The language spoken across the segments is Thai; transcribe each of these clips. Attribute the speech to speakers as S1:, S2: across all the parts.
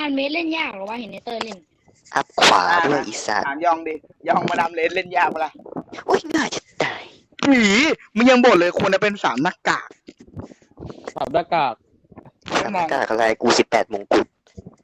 S1: านเมสเล่นยากหรอวะเห็นเนเตอร์เล่น
S2: อัพขวาด้วยอีสัตว์
S3: ถามยองดิยองมาดามเลนเล่นยากปะล่ะ
S2: โอ้ยง่ายจะตาย
S3: หนีมึงยังบ่นเลยควรจะเป็น3หน้ากาก
S4: สับหน้ากาก
S2: สามกากอะไรกู18 มงกุฎ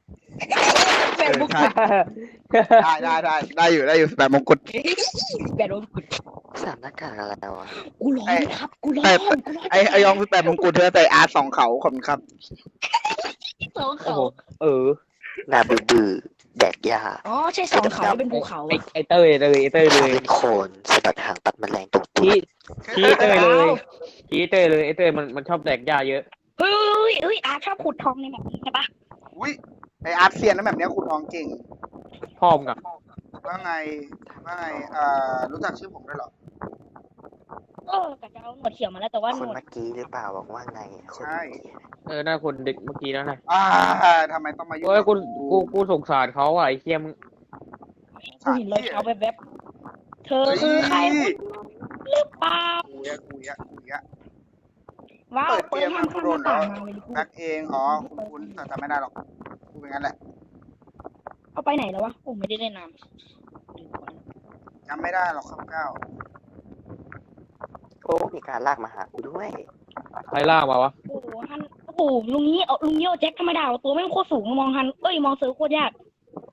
S3: ได้อยู่18 มงกุฎ
S1: แบบโดนกุด
S2: 3หน้ากากอะไรวะ
S1: กูร้อนครับกูร้อน
S3: ไอยอง18 มงกุฎเธอแต่อาร์ต2เขาขอบคุณครับ
S1: 2เขา
S2: หน้าบื้อแดกยา
S1: อ๋อใช่2เขาเป็นภูเขา
S4: ไอเต้ยเลย
S2: เป็นโคนสะบัดหางปัดแมลงตรงตัว
S4: ชี้เต้ยเลยไอเต้ยมันชอบแดกยาเยอะ
S1: เฮ้ยอาชอบขุดทองในแบบนี้ใช่ปะ
S3: อุ้ยไออาร์ตเซียนนะแบบเนี้ยขุดทองเก่ง
S4: พ่อมกับ
S3: ว่าไงรู้จักชื่อผมด้วยหร
S1: อกะจะเอาหนวดเขียวมาแล้วแต่ว่า
S2: คนเมื่อกี้หรือเปล่าบอกว่าไง
S3: ใช่
S4: หน้าคนเด็กเมื่อกี้แล้วนะ
S3: ทำไมต้องมายุ่ง
S4: กูสงสารเขาอ่ะไอ้เคียม
S1: กูเห็นรอยเท้าแบบเธอคือใครหรือเปล่า
S3: กูยะ
S1: ว้าวเปิดห้ามข้ามหน้าต่างมาเลย
S3: แบ็คเองคุณแต่จำไม่ได้หรอกกูเป็นงั้นแหละ
S1: เอาไปไหนแล้ววะโอ้ไม่ได้เล่นน้
S3: ำจำไม่ได้หรอกครับก้าว
S2: โอ้มีการลากมาหากูด้วย
S4: ใครลากมาวะ
S1: โอ้โหลุงนี้ลุงโยแจ็คธรรมดาตัวไม่โคตรสูงมองหันมองเสือโคตรยาก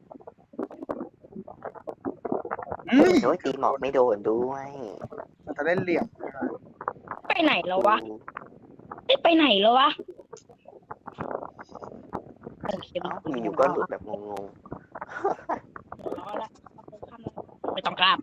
S2: โดยตีหมอกไม่โดนด้วย
S3: มันจะเล่นเหลี่ยม
S1: ไปไหนแล้ววะไปไหนแล้ววะ
S2: อยู่ก็หลุดแบบงง
S1: ไม่ต้องกราบ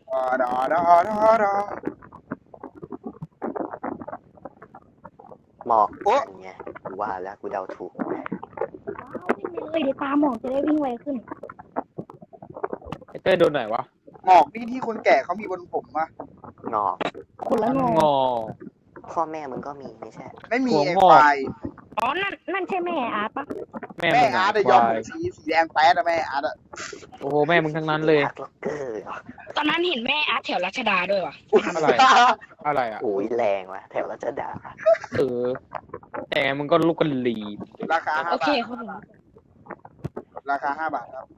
S2: หมอกไงกูว่าแล้วกูเดาถูก
S1: เลยเดี๋ยวตาหมอกจะได้วิ่งไวขึ้น
S4: ไอเต้ยโดนไหนวะ
S3: หมอกนี่ที่คนแก่เขามีบนผมอะ
S2: งอก
S1: คนละงอ
S2: พ่อแม่มึงก็มีไม่ใช่
S3: ไม่มีไอ้ควาย
S1: อ๋อนั่นใช่แม่อาร์ตปะ
S3: แม่อาร์ตยอมสีแดงแป๊ดอะแม่อาร์ตอะ
S4: โอ้โหแม่มึงทั้งนั้นเลย
S1: ตอนนั้นเห็นแม่อาร์ตแถวรัชดาด้วยวะ
S4: อะไรอ่ะ
S2: โอ้ยแรงว่ะแถวรัชดา
S4: แต่มึงก็ลูกกันหลี
S3: ราคา5 บาท
S1: โอเคครับผม
S3: ราคา5 บาทครับ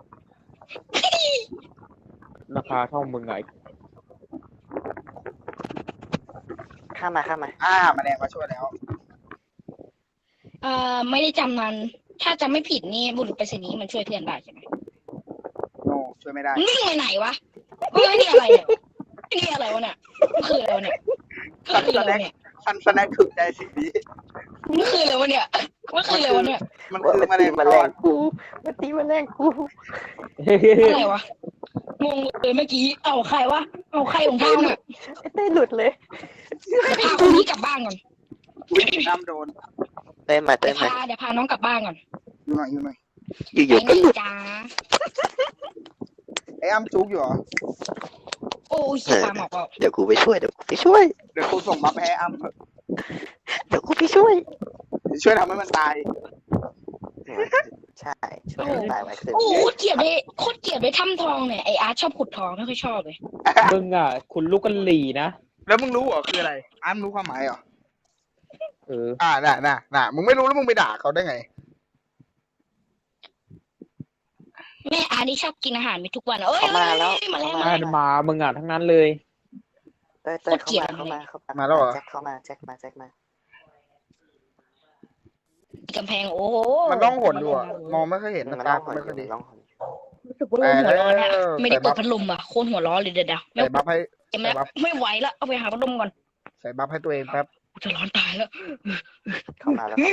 S4: ราคาเท่ามึงไง
S2: ข้ามา
S3: มาแดงมาช่วยแล้ว
S1: ไม่ได้จำนั้นถ้าจำไม่ผิดนี่บุรุษไปรษณีย์มันช่วยเพื่อนได้ใช่ไหม
S3: โนช่วยไม่ได้
S1: มึงไปไหนวะนี่อะไรเนี่ยนี่อะไรวะเนี่ยคืออะไรเนี่ย
S3: ซันสแน็คถึกใจสิ่งนี้
S1: มันคืออะไรวะเนี่ยมันคืออะไรวะเนี่ย
S3: มันคือแมลง
S2: กูมันตีแมลงกู
S1: อะไรวะงงเลยเมื่อกี้เอาใครวะเอาใครของทางเนี่ย
S2: เต้หลุดเลย
S1: พาคนนี้กลับบ้านก่อน
S3: น้ำโดน
S2: เต้มาเ
S1: ดี๋ยวพาน้องกลับบ้านก่อน
S3: อยู่หน่อย
S2: อยู่ก็หลุด
S1: จ้า
S3: ไอ้อ้ำจุกอยู่เหรอ
S1: โอ้ยปลาหมอก
S2: เดี๋ยวกูไปช่วย
S3: เดี๋ยวกูส่งมาให้อ้ำ
S2: เดี๋ยวกูไปช่วย
S3: ทำให้มันตาย
S2: ใช่ช่วยตายไว้คือ
S1: โอ้เกลียดเลยโคตรเกลียดเลยถ้ำทองเนี่ยไออาร์ตชอบขุดทองไม่ค่อยชอบเลย
S4: มึงอ่ะคุณลูกกันหลีนะ
S3: แล้วมึงรู้เหรอคืออะไรอ้ำรู้ความหมายเหรอน่ะมึงไม่รู้แล้วมึงไปด่าเขาได้ไง
S1: แม่อาร์ตนี่ชอบกินอาหารมีทุกวัน
S2: มาแล้ว
S4: มามึงอ่ะทั้งนั้นเลย
S2: เต้เข้ามา
S3: แล้วเหรอ
S2: แจ็คม
S1: ากำแพงโอ้โห
S3: มันต้องหดดูมองไม่ค่อยเห็นมันไม่ค่อยดี
S1: รู้สึกว่าหัวร้อนเนี่ยไม่ได้เปิดพัดลมอ่ะโคตรหัวร้อนเลยเดี๋ยว
S3: ใส่บัฟให้
S1: ไม่ไหวแล้วเอาไปหาพัดลมก่อน
S3: ใส่บัฟให้ตัวเองแป๊บ
S1: จะร้อนตายแล้ว
S2: เข้ามาแล้ว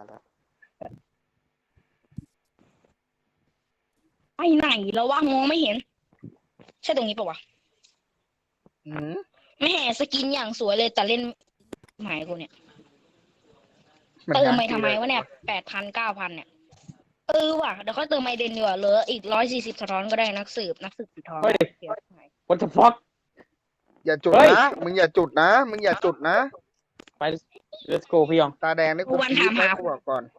S1: ไปไหนแล้ววะมองไม่เห็นใช่ตรงนี้ปะวะไม่แห่สกินอย่างสวยเลยแต่เล่นหมายกูเนี่ยเติมไปทำไมวะเนี่ย8,000 9,000เนี่ยว่ะเดี๋ยวเขาเติมไมเดนดีกว่าเหลืออีก140สะท้อนก็ได้นักสืบสีทอง
S4: What the fuck
S3: อย่าจุดนะมึงอย่าจุดนะ
S4: ไป let's go พี่ยอง
S3: ตาแดงนี่กู
S1: ถามหา
S3: ก่อน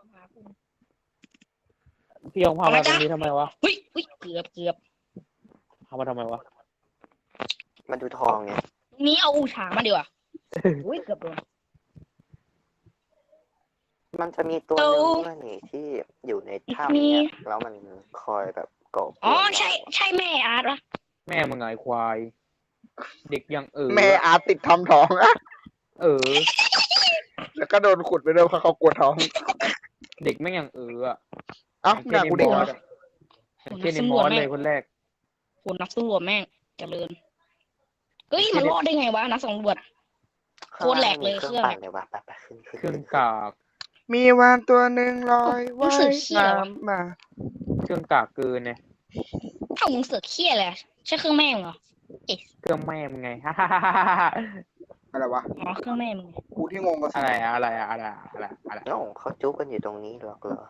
S4: พี่ยองพามาตรงนี้ทำไมวะ
S1: เกือบ
S4: พามาทำไมวะ
S2: มาดูทองไง
S1: นี้เอาอูฉางมาดีกว่าเกือบโดน
S2: มันจะมีตัวหนึงด้วยนี่ที่อยู่ในถ้ำเนี่ยแล้วมันคอยแบบก่อกวน
S1: อ๋อ
S2: เรา
S1: ใช่แม่อาร์ตวะ
S4: แม่มึงไงควาย เด็กยัง
S3: แม่อาร์ตติดทำท้องอะ
S4: เออ
S3: แล้วก็โดนขุดไปด้วยเพราะเขากลัวท้อง
S4: เด็กแม่งยังอะ
S3: เอ้าด่ากูเด็กเหรอ
S4: อย่างเช่นในมอสเลยคนแรก
S1: คนนักสำรวจแม่งเจริญเฮ้ยมันรอดได้ไงวะนักสำรวจ โคตรแหลกเลย
S2: เครื่องปั่นเลยวะไปขึ้น
S4: เครื่องกาก
S3: มีวานตัวหนึ่งลอยว่ายน้ำมา
S4: เครื่องกากเกินเนี่ย
S1: เอ้ามึงเสือกเขี้ยเลยใช่เครื่องแม่มึงเหรอ
S4: เครื่องแม่มึงไง
S3: อะไรวะ
S1: อ๋อเครื่องแม่มึง
S3: กูที่งงกับ
S4: อะไร
S2: เอ้าเขาจุกกันอยู่ตรงนี้หรอกเหรอ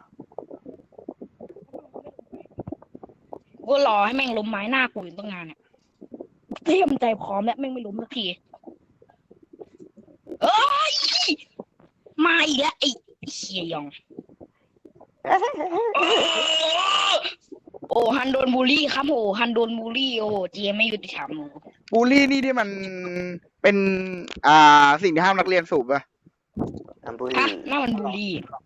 S1: กูรอให้แม่งล้มไม้หน้ากูอยู่ตั้งนานเนี่ยเตรียมใจพร้อมแล้วแม่งไม่ล้มสักทีเอ้ยมาอีกแล้วไอ้เฮียยอง โอ้ฮันโดนบูลลี่ครับโอ้ฮันโดนบูลลี่โอ้เจไม่ยุติธรรมโอ้
S3: บูลลี่นี่ที่มันเป็นสิ่งที่ห้ามนักเรียนสูบอะ
S2: อัมบุ
S1: ฮะ
S2: รี
S1: น่ามันบูลลี่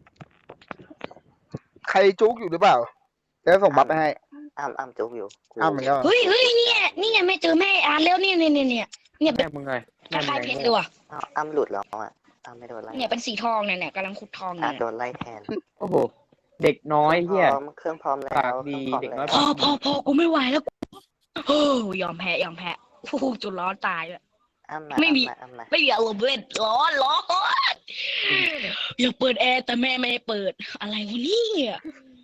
S3: ใครจุกอยู่หรือเปล่าจะส่งบัฟไปให้
S2: อ้ำจุกอยู่กู
S3: อ้าวมันก็
S1: เฮ้ยเนี่ยแม่เจอแม่อ่านแล้วเนี่ยเป็น
S4: แม่มึงไง
S1: คล้ายๆเพชรเลยว่ะ
S2: อ้ำหลุดแล้วอ่ะอ้ำไม่โดนไล่
S1: เนี่ยเป็นสีทองเนี่ยกำลังขุดทองเนี่ย
S2: โดนไล่แทน
S4: โอ้โห เด็กน้อยเฮีย
S2: เครื่องพร้อมแล้ว
S4: ปากดีเด็กน้อย
S1: พอกูไม่ไหวแล้วโอ้ยอมแพ้ฟูจุดร้อนตายเลย
S2: อ้ำมา
S1: ไม่มี
S2: อ้ำมา
S1: ไม่มีอารมณ์เล่นร้อนอยากเปิดแอร์แต่แม่ไม่ให้เปิดอะไรวะเนี่ย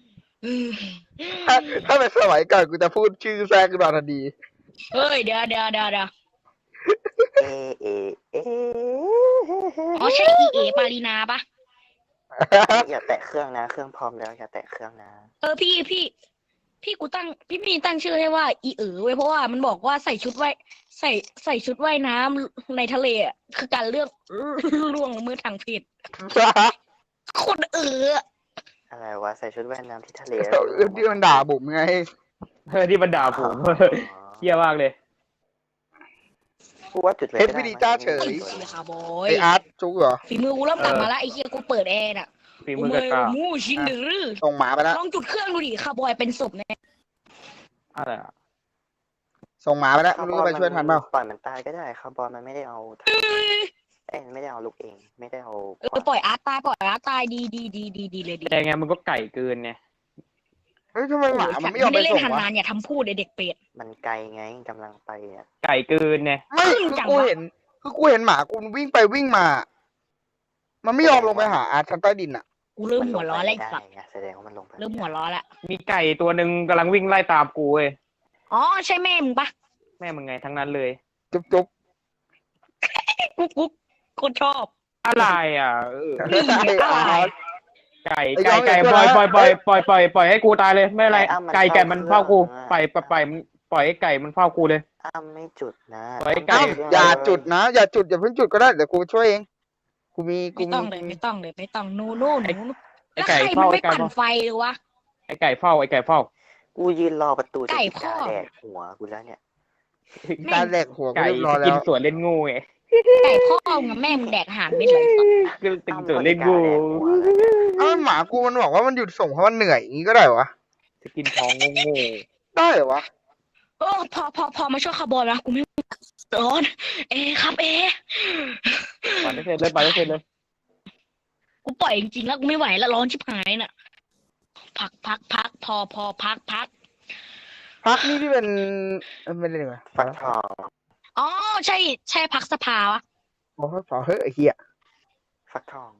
S3: ถ้าเป็นสมัยก่อนกูจะพูดชื่อแทรกขึ้นมาทันที
S1: เฮ้ยเดี๋ยว
S2: เอเอ
S1: อ๋อใช่อีเอปารีนาปะ
S2: อย่าแตะเครื่องนะเครื่องพร้อมแล้วอย่าแตะเครื่องนะ
S1: พี่กูตั้งพี่ตั้งชื่อให้ว่าอีไว้เพราะว่ามันบอกว่าใส่ชุดว่ายน้ำในทะเลอ่ะคือการเลือกล่วงละเมิดทางเพศคน
S2: อะไรวะใส่ชุดว่ายน้ำที่ทะเล
S3: ที่มันด่าบุ๋มไง
S4: ที่มันด่าผมเฮียมากเลย
S2: กูว่าจุดเลย
S3: เฮ็ดวิดีจ้าเฉ
S1: ไอ้
S3: ย
S1: เหี้ยค่ะบอย
S3: ไออาร์ตจุกเหรอ
S1: ฝีมือกูเริ่มกลับมาละไอ้เหี้ยกูเปิดแอร์น่ะ
S4: ฝีมือกระกา
S1: มูชินดื้อ
S3: ส่งหมาไปแล้ว
S1: ลองจุดเครื่องดูดิค่ะบอยเป็นศพเนี่ย
S4: อะไรอ่ะ
S3: ส่งหมาไปแล้วไม่รู้จะไปช่วยทันเปล่า
S2: ปล่อยมันตายก็ได้ครับบอลมันไม่ได้เอาไม่ได้เอาลูกเองไม่ได้เอา
S1: ปล่อยอาร์ตตายดีเลยดี
S4: แต่ไงมันก็ไก่เกินไง
S3: เฮ้ยทำไมหมามันไม่ยอมไป
S1: เล่น
S3: ส่ง
S1: หัน
S3: วะ
S1: นานอย่าทำพูดเด็กเป็ด
S2: มันไกลไงกำลังไปอ่ะ
S4: ไก่เกินไง
S3: ไม่กูเห็นหมากูวิ่งไปวิ่งมา มันไม่ยอมลงไปหาอาร์ตชั้นใต้ดินอ่ะ
S1: กูเริ่มหัวร้อนแล้วไอ้สัตว์
S2: แสดงว่ามันลงไป
S1: เริ่มหัวร้อนแล้ว
S4: มีไก่ตัวหนึ่งกำลังวิ่งไล่ตามกูเว้ย
S1: อ๋อใช่แม่มึงปะ
S4: แม่มึงไงทั้งนั้นเลย
S3: จุ๊บ
S1: กุ๊กคนชอบ
S4: อะไรอ่ะ
S1: นี่อะไร
S4: ไก่ปล่อยให้กูตายเลยไม่เป็นไรไก่มันเฝ้ากูปล่อยให้ไก่มันเฝ้ากูเลย
S2: อ้ำไม่จุดนะ
S3: อย่าจุดนะอย่าจุดอย่าเพิ่งจุดก็ได้เดี๋ยวกูช่วยเองกูมี
S1: ไม่ต้องเลยไม่ต้องนู่น
S4: ไอ้
S1: แล้ว
S4: ไก่
S1: ใครมัน
S4: เฝ้า
S1: ไม่ปั่นไฟเลยวะ
S4: ไอ้ไก่เฝ้า
S2: กูยืนรอประตู
S1: ไก่พ่อ
S2: แดกหัวกูแล้วเนี่ย
S3: การแหลกหัวกู
S4: ไก่
S3: เรียบร้อยแล้
S4: กิน
S3: ว
S4: สวนเล่นงูไง
S1: ไก่พ่อกับแม่มึงแดกอาหารไม่เลยสัตว์
S4: คือติงสวนเล่นงู
S3: เอ้าหมากูมันบอกว่ามันหยุดส่งเพราะมันเหนื่อยอย่างนี้ก็ได้วะ
S4: จะกินท้องงู
S3: ได้เหรอวะ
S1: โอ้พอมาช่วยคาร์บอนนะกูไม่ร้อนครับ
S4: ไปได้เสร็จเลย
S1: กูปล่อยจริงๆแล้วกูไม่ไหวแล้วร้อนชิบหายน่ะพักพอพัก
S3: พักนี่ที่เป็นไม่ได้เลย
S2: ฟักทอง
S1: อ๋อใช่พักสภาวะ
S3: โอ้ยเฮ้ยไอ้เหี้ย
S2: ฟักทอง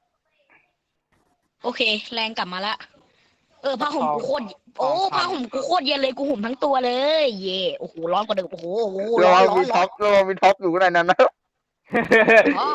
S1: โอเค แรงกลับมาละผ้าห่มกูโคตรผ้าห่มกูโคตรเย็นเลยกูห่มทั้งตัวเลยเย่โอ้โหร้อนกว่าเดิมโอ้โห
S3: ร
S1: ร้
S3: อ
S1: อน
S3: มีท็อปอยู่ในนั้นนะ
S1: อ๋อ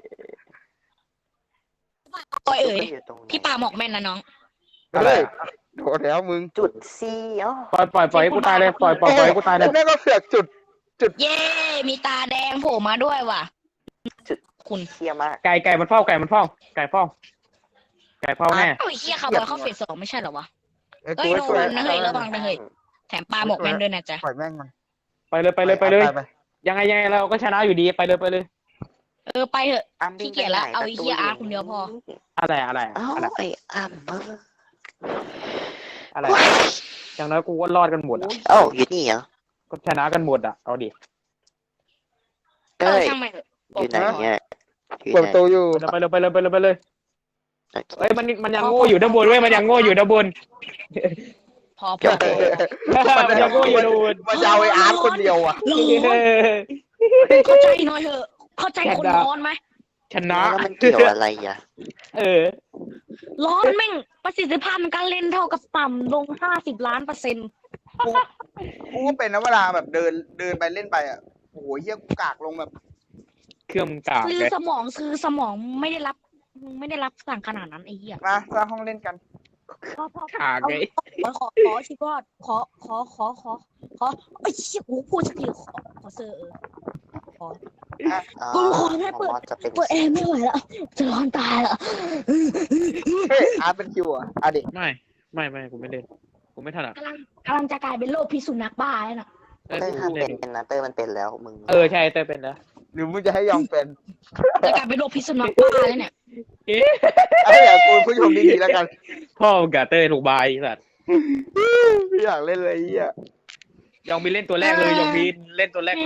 S1: พี่ปาหมอกแม่นนะน้อง
S3: เฮ้ยโดนแล้วมึง
S2: จุดซีอ๋อ
S4: ปล่อยให้กูตายเลยปล่อยให้กูตายเลย
S3: แม่ก็เสือกจุด
S1: เย่มีตาแดงโผล่มาด้วยว่ะ
S2: จุด
S1: คุณ
S2: เคี้ยมาก
S4: ไก่มันเฝ้าแน่
S1: เอ้าไอ้เหี้ยคาร์บอนเข้าเฟส 2ไม่ใช่เหรอวะ
S3: ไอ้
S1: เอ้
S3: กู
S1: ย
S3: ไม่ช่วย
S1: โดนนะเฮ้ยระวังนะเฮ้ยแถมปลาหมอกแม่นด้วยนะจ๊ะ
S3: ปล่อยแม่งมัน
S4: ไปเลยยังไงเราก็ชนะอยู่ดีไปเลย
S1: ไปเถอะขี้เกียจละเอาไอ้เหี้ยอาร์ตคนเดียวพอ
S4: อะอะไร
S2: เอ้าไอ้อ้ำเออ
S4: อะไรอย่างน้อยกูก็รอดกันหมดอ่ะ
S2: เอ้าอยู่นี่เหรอ
S4: ก็ชนะกันหมดอ่ะเอาดิ
S1: เอ
S2: เต้
S1: อย ช่างมันเถอะ
S2: อยู่ไหนเนี่ยอยู่
S3: เปิด
S2: ไห
S3: ป
S2: น
S3: ระตูอยู่
S4: ไปเลย
S2: โอเค
S4: เฮ้ยมันยังโง่อยู่ด้านบนเว้ยมันยังโง่อยู่ด้านบน
S1: พอ
S2: โอเค
S4: มันยังโง่อยู่ด้านบน
S3: มันจะเอาไอ้อาร์ตคนเดียวอ่ะ
S1: ร้อนเข้าใจหน่อยเถอะเข้าใจคนร้อนไหม
S4: ชนะ
S2: แล้วมันเกี่ยวอะไรอ่ะ
S4: เออ
S1: ร้อนแม่งประสิทธิภาพในการเล่นเท่ากับต่ำลง50 ล้าน%
S3: กูก็เป็นนะเวลาแบบเดินไปเล่นไปอ่ะโอ้โหเหี้ยกูกากลงแบบ
S4: เครื่องมึงกาก
S1: ซื้อ
S4: เลย
S1: สมองไม่ได้รับสั่งขนาดนั้นไอ้เหี้ย
S3: มาสร้างห้องเล่นกัน
S1: พอ
S4: กากเลย
S1: ขอชิบอดขอไอ้เหี้ยกูพูดสักทีขอเซอร์ขอ
S2: อ๋อ
S1: กูขอแค่เปิด
S2: มอสจะเป็น
S1: เปิดแอร์ไม่ไหวแล้วจะร้อนตายแล้ว
S3: เฮ้ยอาร์ตเป็นคิวอ่ะอ่ะดิ
S4: ไม่กูไม่เล่นกูไม่ถนัด
S1: กำลังจะกลายเป็นโรคพิษสุนัขบ้าแล้วน่ะ
S2: เต้ยห้ามเป็นนะเต้ยมันเป็นแล้วมึง
S4: ใช่เต้ยเป็นแล้ว
S3: หรือมึงจะให้ยองเป็น
S1: จะกลายเป็นโรคพิษสุนัขบ้าแล้วเนี่ย
S3: ไอ้อย่ากูผู้ชมดีๆแล้วกัน
S4: พ่อมึงกับเต้ยถูกบายสัตว์
S3: ไม่อยากเล่นเลยไอ้เหี้ย
S4: ยองบินเล่นตัวแรกเลยยองบินเล่นตัวแรกเลย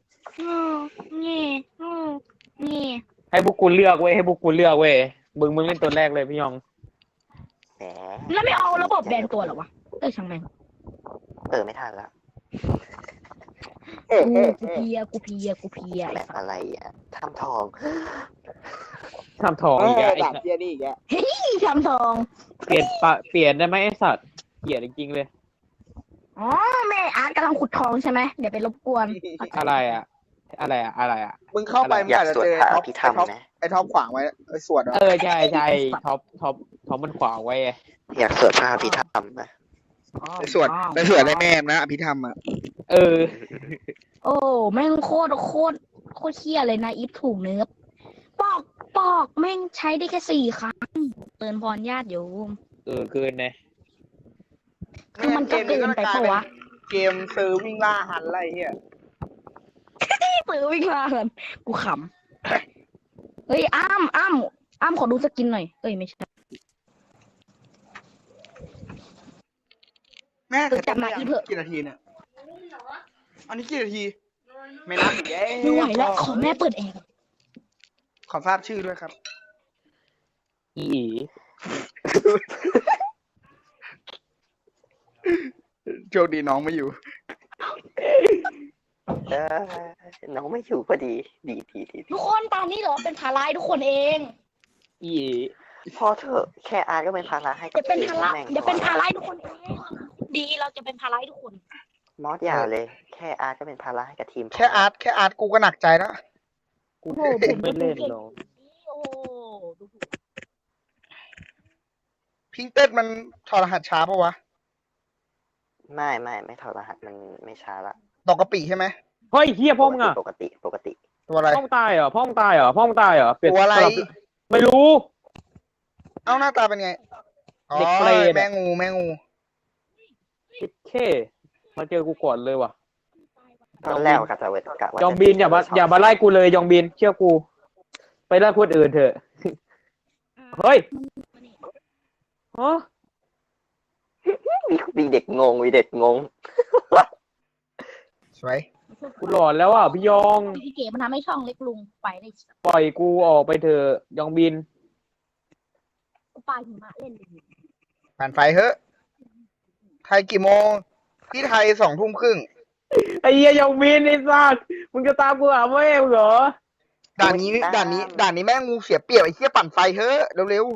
S1: นี่
S4: ให้พวกกูเลือกเว้ยมึงเล่นตัวแรกเลยพี่ยอง
S2: แหม
S1: แล้วไม่เอาระบบแบนตัวเหรอวะช่างแม่ง
S2: ไม่ทันละ
S1: กูเพีย
S2: แบบอะไรอ่ะทำทอง
S4: ทำทองอีก
S3: ด่าเหี้ยนี่อีกแล้ว
S1: พี่ทำทอง
S4: เปลี่ยนได้ไหมไอ้สัตว์เกลียดจริงๆเลย
S1: อ๋อแม่อาร์ตกำลังขุดทองใช่ไหมเดี๋ยวไปรบกวน
S4: อะไรอ่ะ
S3: มึงเข้าไปมึง
S2: อยาก
S3: อาจจะ
S2: สวด
S3: เจอ
S2: พระ
S3: ไอ้
S2: อ
S3: ท็อป
S2: ภิธรรมไหม
S3: ไอ้ท็อปขวางไว้ไอ้สวด
S4: ใช่ท็อปมันขวางไว้ไง
S2: อยากสวดพระอภิธรรมนะ
S3: ไอ้สวดได้แม่นะอภิธรรมอ่ะ
S1: โอ้แม่งโคตรเคี้ยเลยนะอีฟถูกเนื้อปอกแม่งใช้ได้แค่4 ครั้งเตือนพรญาติโยม
S4: เกินเลย
S1: คือมันก็เกินไปปะวะ
S3: เกมซื้อวิ่งล่าหันอะไรเหี้ย
S1: ซื้อวิ่งมาเลยกูขำเฮ้ยอ้ำขอดูสกินหน่อยเอ้ยไม่ใช่
S3: แม่
S1: จับมาอีเถอะ
S3: กี่นาทีเนี่ยอันนี้กี่นาที ไม่นับอีก
S1: ไม่ไหวแล้วขอแม่เปิดแอร์
S3: ขอทราบชื่อด้วยครับ
S4: อี
S3: โชคดีน้องไม่อยู่
S2: น้องไม่อยู่พอดีดี
S1: ทุกคนตอนนี้เหรอเป็นภาระให้ทุกคนเอง
S4: อี
S2: พอเถอะแค่อาร์ตก็เป็นภาระให้
S1: เดี๋ยวเป็นภาระ
S2: แม่ง
S1: เดี๋ยวเป็นภาระให้ทุกคนเองดีเราจะเป็นภาระให้ทุกคน
S2: มอสอย่าเลย แค่อาร์ตก็เป็นภาระให้กับทีม
S3: แค่อาร์ตกูก็หนักใจแล้ว
S4: กูไม่เล่นหรอก
S1: โอ้ดูถูก
S3: พิงเต็ดมันถอดรหัสช้าปะวะ
S2: ไม่ถอดรหัสมันไม่ช้าละ
S3: ตกกะปิใช่ไหม
S4: เฮ้ยเฮียพ่อมึงอ่ะ
S2: ปกติ
S3: ตัวอะไร
S4: พ่อมึงตายเหรอเปลี่ยน
S3: ตัวอะไร
S4: ไม่รู้
S3: เอ้าหน้าตาเป็นไง อ๋อ
S4: เด็กเปรตอะ
S3: แม่งู
S4: แค่มาเจอกูก่อนเลยว่ะ
S2: ตอนแรกกะจะเวทกะว่าย
S4: องบินอย่ามาไล่กูเลยยองบินเชื่อกู ไปไล่คนอื่นเถอะเฮ้ยฮะ
S2: มีเด็กงง
S3: สวย
S4: กูหลอนแล้วอ่ะพี่ยอง
S1: พี่เก๋มันทำให้ช่องเล็กลุงไปได้
S4: ปล่อยกูออกไปเถอะยองบิน
S1: กูปาหิมะเล่นเลย
S3: ผ่านไฟเฮ้ยไทยกี่โมง พี่ไทย2 ทุ่มครึ่ง
S4: ไอ้เหี้ยยองบินไอ้สัสมึงจะตามกูหาแม่มึงเหรอ
S3: ด่านนี้แม่งูเสียเปรียบไอ้เหี้ยปั่นไฟเฮ้ยเร็ว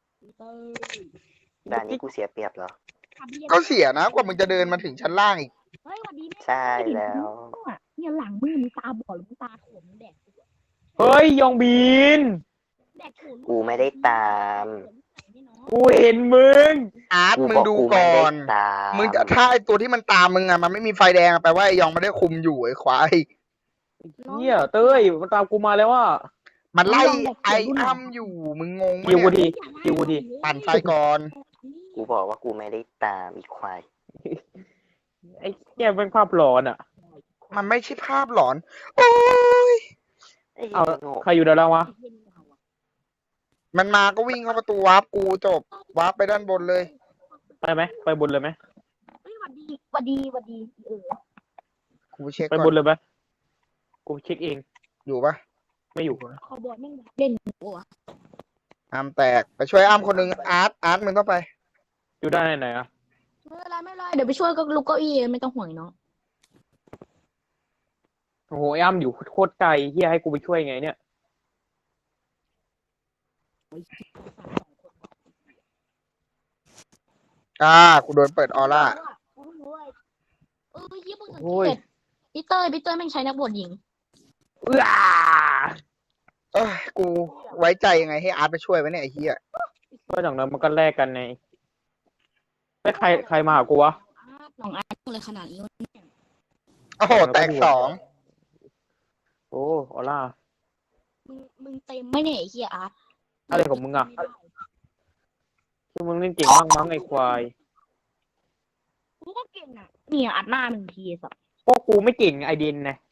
S2: ด่านนี้กูเสียเปรียบเหรอ
S3: ๆก็เสียนะกว่ามึงจะเดินมาถึงชั้นล่างอีก
S1: เฮ้ยวันนี้
S2: ใช่แล้ว
S1: เนี่ยหลังมือมึงตาบอดหรือมึงตาโถมแดก
S4: เฮ้ยยองบิน
S2: กูไม่ได้ตาม
S4: กูเห็นมึง
S3: อาร์ต
S2: กู
S3: มึง
S2: บอก
S3: ดู
S2: กู
S3: ก่
S2: ไม่
S3: อ
S2: ได้
S3: น
S2: ตาม
S3: มึงจะถ้าไอตัวที่มันตามมึงอะมันไม่มีไฟแดงอะแปลว่าไอยองไม่ได้คุมอยู่ไอควาย
S4: เหี้ยเต้ยมันตามกูมาแล้วว่า
S3: มันไล่ไออ้ำอยู่มึงงงไหม
S4: ยิวกู
S3: เนี่ย
S4: ทียิวกูที
S3: ปั่นไฟก่อน
S2: กูบอกว่ากูไม่ได้ตามอีควาย
S4: ไอ้แกเป็นภาพหลอนอ่ะ
S3: มันไม่ใช่ภาพหลอน โอ้ย
S2: ไอ้
S4: เอา
S2: โง่
S4: ใครอยู่ด้านล่างวะ
S3: มันมาก็วิ่งเข้าประตูวาร์ปกูจบวาร์ปไปด้านบนเลย
S4: ไปไหมไปบนเลยไหม
S1: เฮ้ยหวัดดีหวัดดีหวัดดี
S3: กูเช็ค
S4: ไป
S3: ก่
S4: บ
S3: อน
S4: นเลยไหมกูเช็คเอง
S3: อยู่ปะ
S4: ไม่อยู่
S1: ขอบอลแม่งเล่นหัว
S3: อ้ามแตกไปช่วยอ้ามคนหนึ่งอาร์ตมึงต้องไป
S4: อยู่ด้านไหนอ่ะ
S1: ไม่เป็นไรไม่เป็นไรเดี๋ยวไปช่วยก็ลุกเก้าอี้ไม่ต้องห่วงน้อง
S4: โอ้โหไอ้อ้ำอยู่โคตรไกลเฮียให้กูไปช่วยไงเนี่ย
S3: กูโดนเปิดออร่า
S1: เฮียมึงสัง
S4: โอ้ย
S1: เกตพี่เต้ยแม่งใช้นักบวชหญิง
S4: อ้า
S3: เอ้ยกูไว้ใจยังไงให้อาร์ตไปช่วยวะเนี่ยไอ้เหี้ย
S4: ก็อย่างนั้นมันก็แลกกันไงไม่ใครมาหากูวะ
S1: น้องอาร์ตเลยขนาดนี้
S3: โอ้โหแตกสอง
S4: โอ้ออล่า
S1: มึงเต็มไม่เนี่ยไอ้เฮียอาร์ต
S4: อะไรของมึงอ่ะคือมึงเล่นเก่งมากมั้งไอ้ควาย
S1: กูก็เก่งอ่ะเนี่ยอัดหน้าหนึ่งทีสัส
S4: พวกกูไม่เก่งไอเดนนะ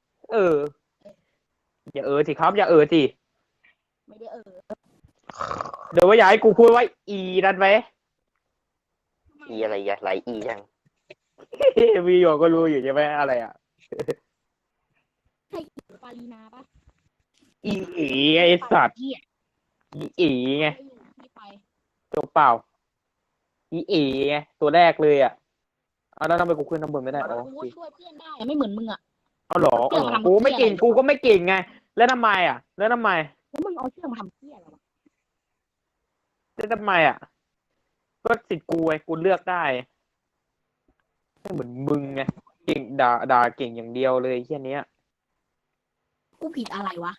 S4: อย่าสิครับอย่าสิ
S1: ไม่ได้
S4: เดี๋ยวว่าอยากให้กูพูดว่าอีนั่นไหม
S2: อีอะไรอย่าไหลอียัง
S4: วีโอก็รู้อยู่ใช่ไหมอะไรอ่ะ
S1: ใช่ปาลีนาปะ
S4: อีไอสัตว์
S1: เฮีย
S4: อีไง
S1: ไม่ไป
S4: จบเปล่าอีไงตัวแรกเลยอ่ะเอาแล้วทำไมกูขึ้นน้ำบนไม่ได้อ๋อ
S1: กูช่วยเพื่อนได้ไม่เหมือนมึงอ่ะ
S4: เอาเหรอกูไม่เก่งกูก็ไม่เก่งไงแล้วทำไมอ่ะแล้วทำไม
S1: แล้วมึงเอาเชือกมาทำเฮียอะไรวะ
S4: แล้วทำไมอ่ะก็สิทธิ์กูไงกูเลือกได้ไม่เหมือนมึงไงเก่งด่าเก่งอย่างเดียวเลยแค่นี้ย
S1: กูผิดอะไรวะ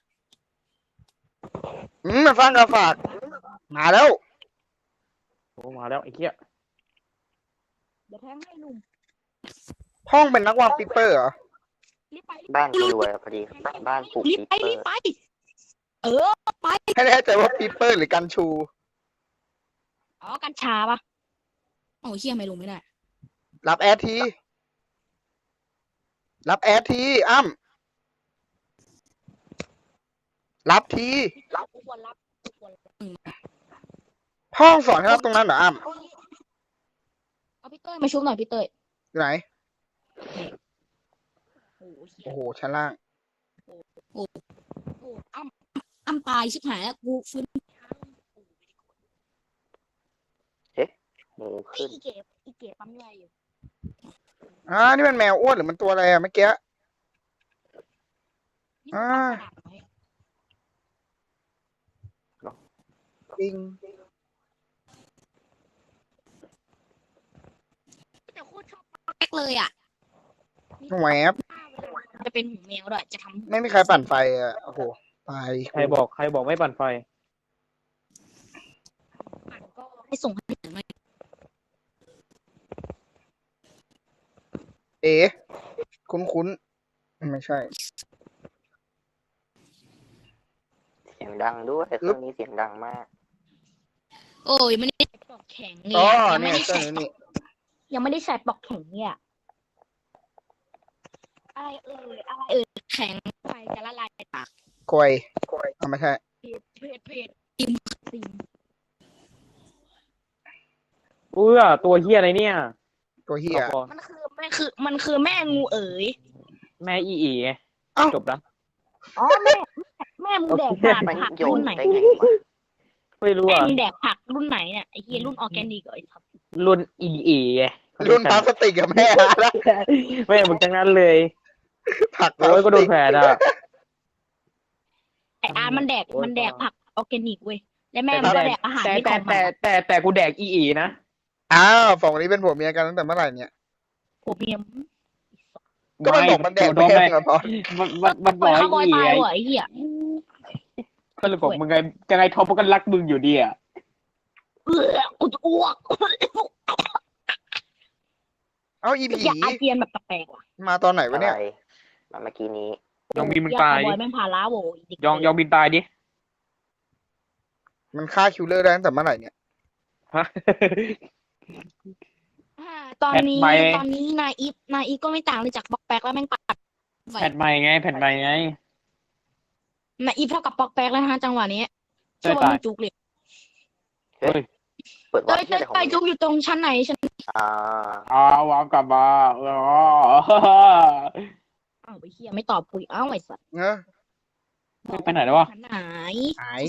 S3: มาฟังกับฝากมาแล้ว
S4: โอ้มาแล้วไอ้เหี้ย
S1: เดี๋ยวแทงให้ลุง
S3: ห้องเป็นนักวางปิปเปอร์เหรอ
S1: รีบไป
S2: บ้านกูรวยอะพอดีบ้านปลูก
S1: รีบ
S2: ปี
S1: ไป
S2: เปอ
S1: รีบ
S2: ร์
S1: ไปเออไป
S3: ให้แน่ใจว่าปิปเปอร์หรือกันชู
S1: อ๋อกัญชาปะโอ้เฮียไม่ลงไม่ได้
S3: รับแอดที รับแอดทีอ้ำรับที
S1: กูควรรับกูควรรับ
S3: ห้องสอนให้รับตรงนั้นเหรออ้ำ
S1: เอาพี่เต้ยมาชุบหน่อยพี่เต้ย
S3: อยู่ไหน
S1: โอ้เฮีย
S3: โอ้โหชั้นล่าง
S1: โอ้อ้ำตายชิบหายแล้วกูฟื้น
S2: หมูขึ้น
S1: อีเก๋ปั๊มอะไรอยู่
S3: นี่มันแมวอ้วนหรือมันตัวอะไรอะเมื่อกี้ อ่า จริง
S1: แต่โคตรชอบแรกเลยอ่ะ
S3: แหวบ
S1: จะเป็นหมูแมวด้วยจะทำ
S3: ไม่มีใครปั่นไฟอ่ะ โอ้โห ตาย
S4: ใครบอกไม่ปั่นไฟ
S1: ปั่นก็ให้ส่งให้ถึงเลย
S3: เอ๋คุ้นไม่ใช่
S2: เสียงดังด้วยเครื่องนี้เสียงดังมาก
S1: โอ้ยไม่ได้ปอกแข็งเนี่
S3: อ๋อย
S1: ยังไม่
S3: เนี่ย
S1: ได้
S3: เครื่อ
S1: ใส่
S3: งนี้นี่
S1: ยังไม่ได้ใส่ปอกแข็งเนี่ยอะไรแข็งไฟจะละลายในปาก
S3: กล้วยไม่ใช่
S1: เพจติมติม
S4: ตัวเหี้ยอะไรเนี่ย
S3: ตัวเฮีย
S1: มันคือแม่งูเอ๋ย
S4: แม่อีไง
S3: เอ้า
S4: จบแล้ว
S1: อ๋อแม่มึงแดกผัก
S2: โย
S1: รุ่
S2: น
S1: นไหน
S2: ได้ไงวะ
S4: ไม่รู้
S1: แม่
S4: อ่ะ
S1: มึงแดกผักรุ่นไหนเนี่ยไอ้เฮียรุ่นออร์แกนิกเหรอไอ้ทับ
S4: รุ่นอีไง
S3: รุ่นพลาสติกกับแม่แล้ว
S4: ไม่มึงจังนั้นเลย
S3: ผักพลา
S4: โอ้ย
S3: ส
S4: ก็โด
S3: ติ
S4: น
S3: ก
S4: แผลอ่ะ
S1: ไอ้อาร์มันแดกผักออร์แกนิกเว้ยและแม่
S4: แต่
S1: มันก็แดกอาหารที่ของมัน
S4: แต่กูแดกอีนะ
S3: อ้าวสองคนนี้เป็นผัวเมียกันตั้งแต่เมื่อไหร่เนี่ย
S1: ผมเมียม
S3: ก็มันบอกมันแดก
S4: โด
S3: แม่
S4: นได้
S3: มึงอะพอ
S4: มัน
S1: ป
S4: บ
S1: ล่
S4: อ
S1: อย
S4: ก
S1: ข้าวบอย
S4: อี
S1: ตาย
S4: ไง
S1: ว่ะไอ้เหี้ย
S4: ก็เลยบอกมึงไงยังไงทอมมันก็รักมึงอยู่ดีอ่ะ
S1: กูจะอ้วก
S3: เอ้าอีผี
S1: อยากอาเจียนแบบแปลกๆว่ะ
S3: มาตอนไหนวะ
S2: อะ
S3: เนี่ย
S2: ไรมาเมื่อกี้นี้
S4: ยองบินมึงตาย
S1: บ
S4: ดิ
S1: อยแม่งพาล้าโว้ย
S4: ยองบินตายดิ
S3: มันฆ่าคิวเลอร์ได้ตั้งแต่เมื่อไหร่เนี่ย
S4: ฮะ
S1: ตอนนี้
S4: แผ่นใหม่
S1: นายอีฟก็ไม่ต่างเลยจากปอกแป๊กแล้วแม่งปัด
S4: แผ่นใหม่ไง
S1: นายอีฟเท่ากับปอกแป๊กแล้วนะฮะจังหวะนี้
S4: เต้
S1: ช่วย ง
S4: ตาย
S1: ไม่จุกเลย
S4: เฮ้ย
S2: เปิดวา
S1: เต้
S2: ร์
S1: ย
S2: ปที่อะไรของ
S1: เต้ย
S2: มึง
S1: จุกอยู่ตรงชั้นไหนชั้น
S2: อ่า
S4: วางกลับมาอ๋อ
S1: อ้าวไปเฮียไม่ตอบคุยอ้าวไอ้สัตว์
S3: เนอะ
S4: ไปไหนแล้ววะ
S1: ชั้นไหน
S3: หาย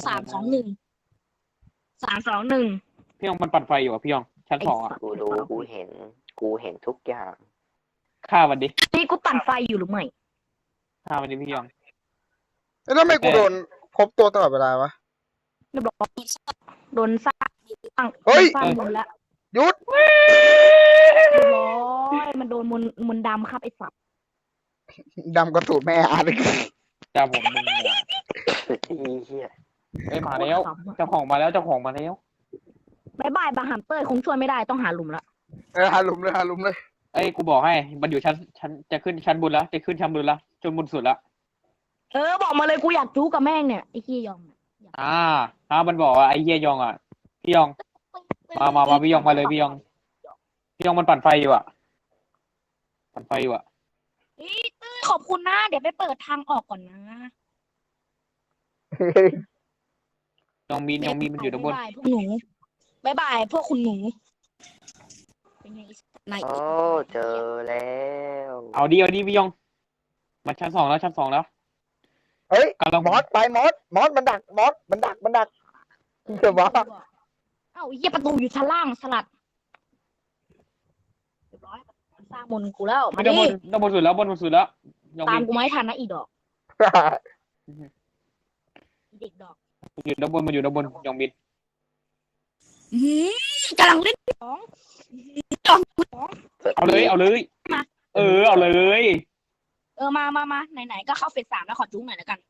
S1: 321
S4: พี่ยองมันปั่นไฟอยู่อ่ะพี่ยองชั้น
S1: ไอ้
S4: สองอ่ะ
S1: สัตว์
S2: กูรู้กูเห็นทุกอย่าง
S4: ฆ่ามันดิ
S1: นี่กูปั่นไฟอยู่หรือไม่
S4: ฆ่ามันดิพี่ยอง
S3: แล้วทำไมกูโดนพบตัวตลอดเวลาวะ
S1: เรียบร้อยโดนสร้าง
S3: เฮ้ย
S1: สร้างมนต์แล้ว
S3: หยุด
S1: เรียบร้อยมันโดนมนต์ดำครับไอ้สัตว์
S3: ดำกระตูดแม่อาร์ตเลย
S4: จ้าผมมึงอ่ะ
S2: อีเหี้ย
S4: เอ้ยมาแล้วเจ้าของมาแล้วเจ้าของมาแล้ว
S1: บายบายบาฮัมเตอร์คงช่วยไม่ได้ต้องหาหลุมละ
S3: หาหลุมเลยหาหลุมเลย
S4: เอ้ยกูบอกให้มันอยู่ชั้นจะขึ้นชั้นบนแล้วจะขึ้นชั้นบนแล้วจนบนสุดละ
S1: บอกมาเลยกูอยากจู้กับแม่งเนี่ยไอ้ขี้ยองเนี่ย
S4: มันบอกว่าไอ้เหี้ยยองอ่ะพี่ยองมาพี่ยองมาเลยพี่ยองมันปั่นไฟอยู่อ่ะปั่นไฟอยู่อ่ะ
S1: เฮ้ยเต้ยขอบคุณนะเดี๋ยวไปเปิดทางออกก่อนนะ
S4: ยองมีมันอยู่ด้านบน
S1: บายพวกหนูบายบายพวกคุณหนูเป็นไงนาย
S2: โอ้เจอแล้ว
S4: เอาดิพี่ยองมันชั้นสองแล้ว
S3: เฮ้ย
S4: กำลัง
S3: มอสไปมอสมันดักมันดักเดี๋ยววะ
S1: เอ้าเหี้ยประตูอยู่ชั้นล่างสลัดเรียบร้อยมันสร้างมนต์กูแล้วมาดิ
S4: ด้านบนสุดแล้วยอง
S1: ตาม
S4: มี
S1: กูไม่ทันนะอีดอกอีเด็กดอก
S4: มันอยู่ด้านบนยองบิน
S1: กำลังเล่นของ
S4: เอาเลยเอาเลย
S1: มา
S4: เอาเลย
S1: มาไหนๆก็เข้าเฟส 3แล้วขอจุ้งหน่อยแล้วกัน